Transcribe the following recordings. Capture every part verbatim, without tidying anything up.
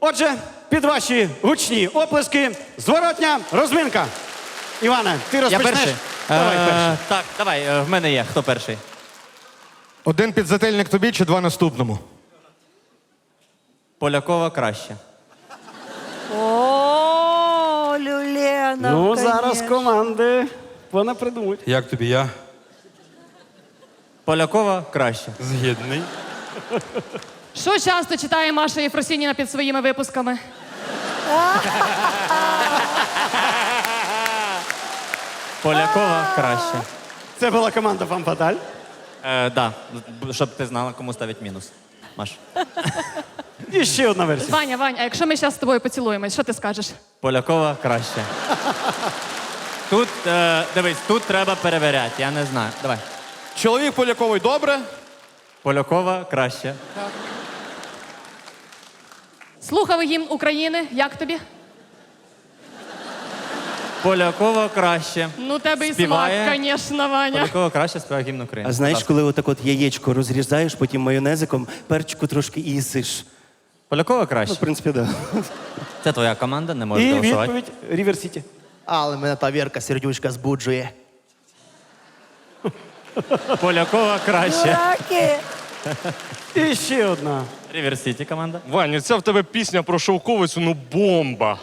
Отже, під ваші гучні оплески, зворотня розминка. Іване, ти Я розпочнеш? перший? Давай Е, перший. Так, давай, е, в мене є. Хто перший? Один підзательник тобі чи два наступному? Полякова краще. О, Люлена, Ну, зараз конечно. команди вона придумуть. Як тобі я? Полякова краще. Згідний. Що часто читає Маша Єфросініна під своїми випусками? Полякова краще. Це була команда Фам Фаталь. Е, да, щоб ти знала, кому ставить мінус. Маш. І ще одна версія. Ваня, Вань, а якщо ми зараз з тобою поцілуємось, що ти скажеш? Полякова краще. Тут, е, дивись, тут треба перевіряти, я не знаю. Давай. Чоловік Поляковий добре. Полякова краще. Слухав гімн України, як тобі? Полякова краще. Ну, тебе і Співає. смак, звісно, Ваня. Полякова краще співає гімн України. А знаєш, Будь ласка. коли отак от яєчко розрізаєш, потім майонезиком, перчику трошки і їсиш. Полякова Ну, краще. в принципі, так. Да. Це твоя команда, не можеш І голосувати. відповідь Рівер Сіті. Але мене та Вірка сердючка збуджує. Полякова краще. Дураки. І ще одна. Рівер Сіті команда. Ваня, це в тебе пісня про шовковицю, ну бомба.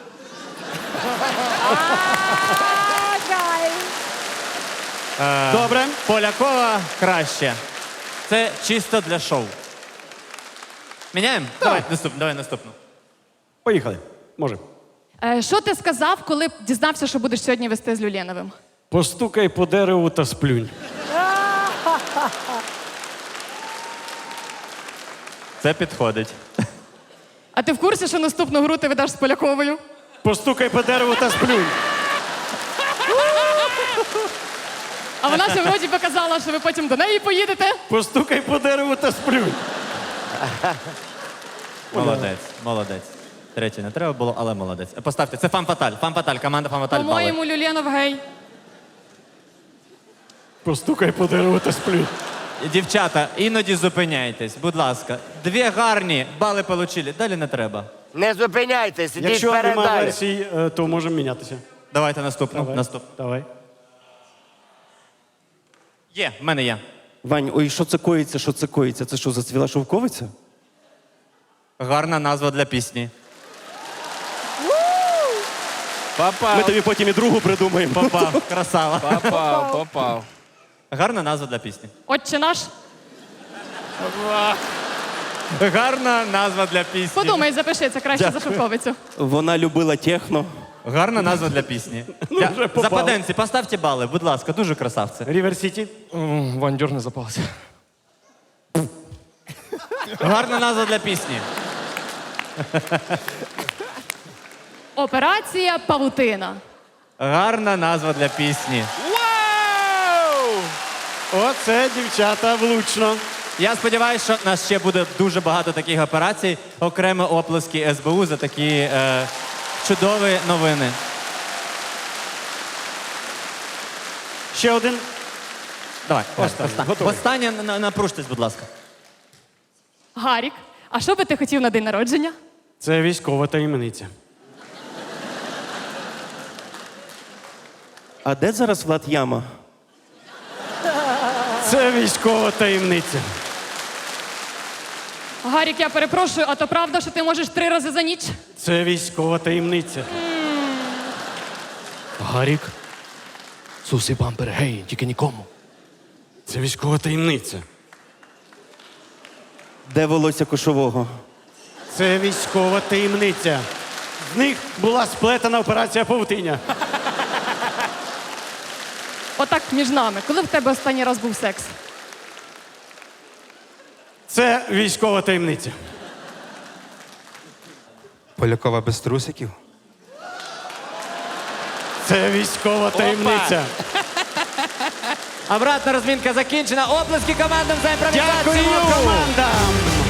А, кайф. Добре. Полякова краще. Це чисто для шоу. Міняємо? Давай, наступну, давай наступну. Поїхали. Може. Е, що ти сказав, коли дізнався, що будеш сьогодні вести з Люленовим? Постукай по дереву та сплюнь. Це підходить. А ти в курсі, що наступну гру ти ведеш з Поляковою? Постукай по дереву та сплюнь. А вона ще вроді показала, що ви потім до неї поїдете. Постукай по дереву та сплюнь. Молодець, молодець. Третє не треба було, але молодець. Поставте, це Фам-Фаталь. Фам-Фаталь, команда Фам-Фаталь. бали. По-моєму, Люленов гей. Постукай по дереву та сплюнь. Дівчата, іноді зупиняйтесь, будь ласка. Дві гарні бали получили, далі не треба. Не зупиняйтесь, ідіть Якщо вперед немає далі. версій, е, то можемо мінятися. Давайте наступну. Давай. Наступну. Давай. Є, в мене є. Вань, ой, що це коїться, що це коїться? Це що, зацвіла шовковиця? Гарна назва для пісні. Ми тобі потім і другу придумаємо. Попав, красава. Попав, попав. Гарна назва для пісні. Отче наш. Гарна назва для пісні. Подумай, запиши, це краще за шовковицю. Вона любила техно. Гарна назва для пісні. Я- вже попав. Западенці, поставте бали, будь ласка, дуже красавці. Рівер Сіті. М, Вань, дьорни запалася. Гарна назва для пісні. Операція Павутина. Гарна назва для пісні. Оце, дівчата, влучно. Я сподіваюся, що у нас ще буде дуже багато таких операцій. Окремо оплески ес бе у за такі е, чудові новини. Ще один. Давай, Останнє. останнє. Готовий. Останнє на- на- напруштесь, будь ласка. Гарік, а що би ти хотів на день народження? Це військова таємниця. А де зараз Влад Яма? Це військова таємниця. Гарік, я перепрошую, а то правда, що ти можеш три рази за ніч? Це військова таємниця. Гарік. Сусі бампер, гей, тільки нікому. Це військова таємниця. Де волосся кошового? Це військова таємниця. В них була сплетена операція павутиння. Отак між нами. Коли в тебе останній раз був секс? Це військова таємниця. Полякова без трусиків. Це військова таємниця. Обратна розмінка закінчена. Оплески командам за імпровізацію. Дякую командам!